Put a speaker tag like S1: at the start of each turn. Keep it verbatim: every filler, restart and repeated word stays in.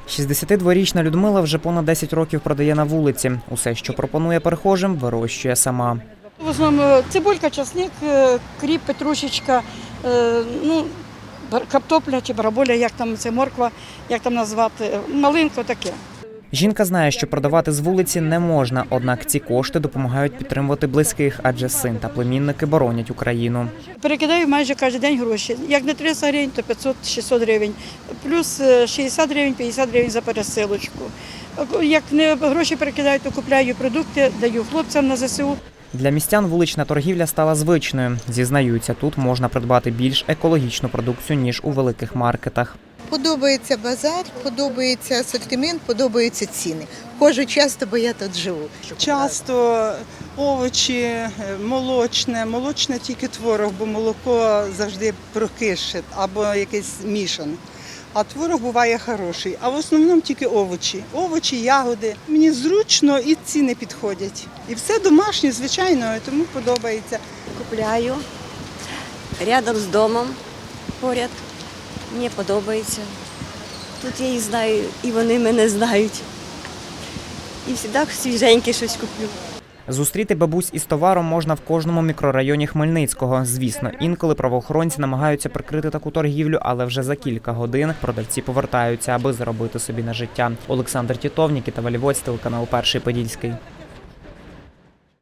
S1: шістдесятидворічна Людмила вже понад десять років продає на вулиці. Усе, що пропонує перехожим, вирощує сама.
S2: В основному цибулька, часник, кріп, петрушечка, ну, картопля чи бараболя, як там це, морква, як там назвати, малинка, таке.
S1: Жінка знає, що продавати з вулиці не можна, однак ці кошти допомагають підтримувати близьких, адже син та племінники боронять Україну.
S2: Перекидаю майже кожен день гроші. Як не триста гривень, то п'ятсот-шістсот гривень. Плюс шістдесят гривень, п'ятдесят гривень за пересилочку. Як не гроші перекидаю, то купляю продукти, даю хлопцям на зе се у.
S1: Для містян вулична торгівля стала звичною. Зізнаються, тут можна придбати більш екологічну продукцію, ніж у великих маркетах.
S3: Подобається базар, подобається асортимент, подобаються ціни. Ходжу часто, бо я тут живу.
S4: Часто овочі, молочне, молочне тільки творог, бо молоко завжди прокише або якийсь мішане. А творог буває хороший, а в основному тільки овочі. Овочі, ягоди. Мені зручно і ціни підходять. І все домашнє, звичайно, тому подобається.
S5: Купляю рядом з домом, поряд. Мені подобається. Тут я їх знаю, і вони мене знають. І завжди свіженьке щось куплю.
S1: Зустріти бабусь із товаром можна в кожному мікрорайоні Хмельницького. Звісно, інколи правоохоронці намагаються прикрити таку торгівлю, але вже за кілька годин продавці повертаються, аби заробити собі на життя. Олександр Тітов, Нікіта Валівоць, телеканал Перший Подільський.